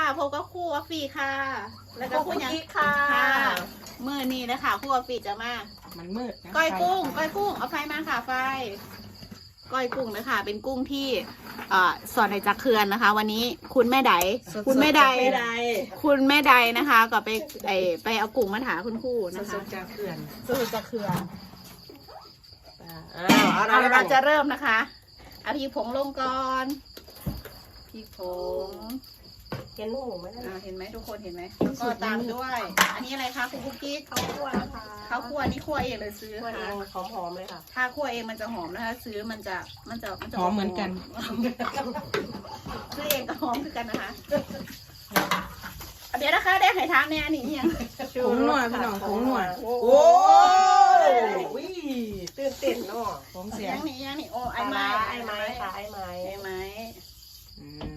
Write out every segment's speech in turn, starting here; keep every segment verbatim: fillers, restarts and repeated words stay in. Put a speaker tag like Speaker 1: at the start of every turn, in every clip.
Speaker 1: พบกับคู่ออฟฟี่ค่ะแล้วก็คู่ยัง
Speaker 2: ค่ะ
Speaker 1: มือนี้นะคะคู่ออฟฟี่จะมา
Speaker 2: มันมืดนะ
Speaker 1: ก้อยกุ้งก้อยกุ้งเอาไฟมาค่ะไฟก้อยกุ้งนะคะเป็นกุ้งที่เอ่อสอนในจากเขื่อนนะคะ วันนี้คุณแม่ไดคุณแม่ไดคุณแม่ไดนะคะ ก็ไปไอไปเอากุ้งมาถาคุณครูนะคะ
Speaker 2: สดจากเขื่อน
Speaker 1: สดจากเขื่อน
Speaker 2: อ้าวเอา
Speaker 1: เอา
Speaker 2: ละ
Speaker 1: เราจะเริ่มนะคะเอาพริกผงลงก่อนพริกผง
Speaker 2: เห็นหมูไหม
Speaker 1: อ่าเห็นไหมทุกคนเห็นไหมก็ตามด้วย อันนี้อะไรคะคุณคุกกี้
Speaker 2: ข้าวคั่วนะคะ
Speaker 1: ข้าวคั่วนี่คั่วเองเลยซื้อ
Speaker 2: คั่วเอ
Speaker 1: ค่ะ
Speaker 2: งหอมๆเลยค่ะ
Speaker 1: ถ้าคั่วเองมันจะหอมนะคะ ซื้อมันจะมันจะมันจะ
Speaker 2: หอมเหมือนกัน
Speaker 1: ซื้อเองก็หอมคือกันนะคะเดี๋ยวนะคะได้ไข่ท้ามเนี่ยนี่ยัง
Speaker 2: ผงนัวพี่น้องผงนัว
Speaker 1: โอ้ย
Speaker 2: วิตื่นเต้นเนาะผงเสีย
Speaker 1: ยังนี่ยังนี่โอ้ไอ้ไม้
Speaker 2: ไอ้ไม้ค่ะไอ้ไม้
Speaker 1: ไอ้ไม้
Speaker 2: อืม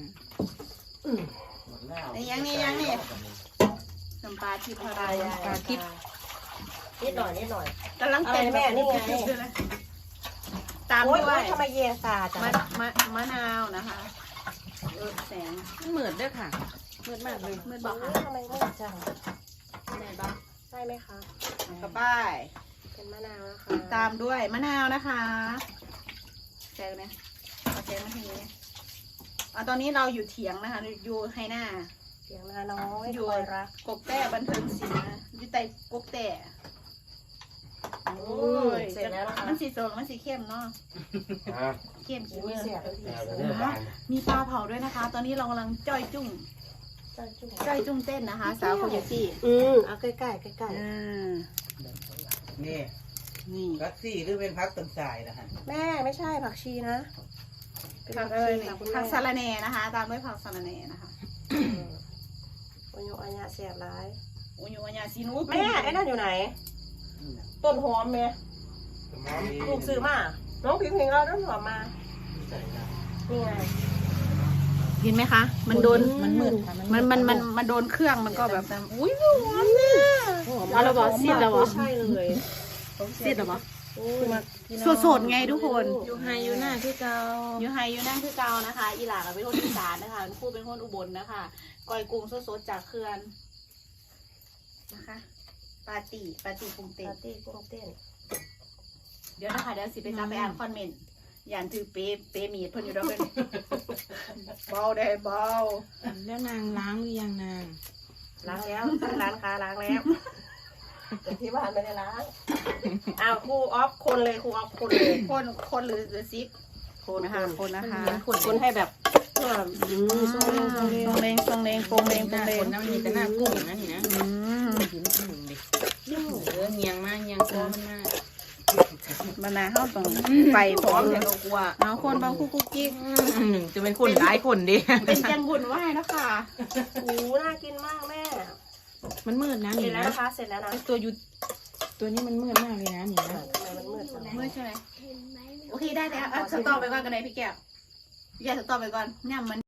Speaker 1: นี่ยังนี่ยังนี่น้ำปลาทิพย์อะไร
Speaker 2: ปลาทิพย์นิดหน่อยนิดหน่อย
Speaker 1: กำลังเต้น
Speaker 2: อะไรแม่นี่ไง
Speaker 1: ตาม
Speaker 2: โอ้
Speaker 1: ด้วย
Speaker 2: ทำไมเย็นซาจัง
Speaker 1: มะมะมะนาวนะคะเออแสง
Speaker 2: มันเหมือนด้วยค่ะมืดมากเลย
Speaker 1: มืดบอกค่ะ
Speaker 2: ทำไมมืดจัง
Speaker 1: ไหนบ้าง
Speaker 2: ใช่ไหมคะ
Speaker 1: กระป้าย
Speaker 2: เป็นมะนาวนะคะ
Speaker 1: ตามด้วยมะนาวนะคะแจกเนี่ยเอาแจกมาทีนี้อ่ะตอนนี้เราอยู่เถียงนะคะอยู่ไฮหน้า
Speaker 2: เสียงนาน้อย
Speaker 1: อยู่
Speaker 2: คอยรัก
Speaker 1: กกแต่บันเทิงศิลป์นะอยู่ใต้กกแต่โอ้ย
Speaker 2: เสร็จแล้วนะคะ
Speaker 1: มันสีโซนมันสีเข้มเนาะเข้มขี้
Speaker 2: อุ้ย
Speaker 1: มือ
Speaker 2: เสียแล้วที
Speaker 1: มีปลาเผาด้วยนะคะ ตอนนี้เรากำลังจ้อยจุ้ง
Speaker 2: จ้าจุ๊บ
Speaker 1: จ้อยจุ้งเต้นนะคะ สาวโคโยตี้
Speaker 2: อืมเอาใกล้ๆใกล้
Speaker 1: อ่า
Speaker 3: นี่
Speaker 1: นี่
Speaker 3: พักซี่หรือเป็นพักต้นสายนะฮะ
Speaker 2: ๆแม่ไม่ใช่ผักชีนะเป็น
Speaker 1: ผั
Speaker 2: ผั
Speaker 1: ก
Speaker 2: ก
Speaker 1: เอ้
Speaker 2: ชี
Speaker 1: ย
Speaker 2: ค่ะคุณ
Speaker 1: ผั
Speaker 2: แม่
Speaker 1: กสะระแหน่นะคะ ตามด้วยผักสะระแหน่นะคะ
Speaker 2: โอ้ยอันยาเสียบร้าย
Speaker 1: โอ้ยอันยาซีนู
Speaker 2: แม่ไอ้นั่นอยู่ไหน ต้นหอมแม่ลูกซื้อมาน้องพิมพ์เห็นเราต้นหอมมานี่ไง
Speaker 1: เห็นไหมคะ มันโดน
Speaker 2: มันมืดค่ะ
Speaker 1: มันมันมันมันโดนเครื่องมันก็แบบอุ้ยหอมเนี่ย เอาละบอกซีดแล้วบอก
Speaker 2: ใช่เลย
Speaker 1: ซีดหรอปะ
Speaker 2: โอ้ย
Speaker 1: สดๆไงทุกคน
Speaker 2: อยู่ไฮอยู่หน้าที่เก่า
Speaker 1: อยู่ไฮอยู่นั่งคือเกานะคะ อีหลากับเป็นคนอีสานนะคะครูเป็นคนอุบลนะคะก้อยกุ้งสดๆจากเขื่อนนะคะปาตีปาตีกุ้งเต้น
Speaker 2: ปาร์ตี้กุ้งเต้น
Speaker 1: เดี๋ยวนะคะเดี๋ยวสิไปจับไปอ่านคอมเมนต์อย่านถือเป๊เป๊มีดเพิ่นอยู่แล้วเพิ่นเบาได้เบา
Speaker 4: แล้วนางล้างหรือยังนาง
Speaker 2: ล้างแล้วร้านค้าล้างแล้วแต่ที่บ้านไม่ได้ล้างอ้าวครูออฟคนเลยครูออฟคนเลย
Speaker 1: คนคนหรือหรือซิก
Speaker 2: คน
Speaker 1: นะคะคนนะคะ
Speaker 2: คนให้แบบเพื่ออืม
Speaker 1: ทรงเลงทรงเลงทรงเลงทรงเลงทรงเล
Speaker 4: ค
Speaker 1: ง
Speaker 4: นนั้นมันมีแต่หน้ากุ้งนะนี่นะ
Speaker 1: อืม
Speaker 4: กินกุ้งดิเออเงียงมากเงียงคอมันมาก
Speaker 1: บรรณาเข้าตรงไฟพร้อมเดี๋ยวเรากลัวเอาคนบางคู่กุ๊กกิ๊ก
Speaker 4: หนึ่งจะเป็นคนร้ายคนดิ
Speaker 1: เป็นจังบุญไหว้นะคะ
Speaker 2: โอ้น่ากินมากแม่
Speaker 4: มันมืดนะ
Speaker 2: เสร็
Speaker 4: นี่
Speaker 2: จแล้ว
Speaker 4: นะ
Speaker 2: นะคะเสร็จแล้วนะ
Speaker 4: ตัวอยู่ตัวนี้มันมืดมากเลยนะนี่นะ
Speaker 2: ทำไมมันมืดจัง
Speaker 1: เมื่อใช่ไหมโอเคได้แล้วอ่ะสต็อปไปก่อนกันเลยพี่แก้วอย่าสต็อปไปก่อนเนี่ยมัน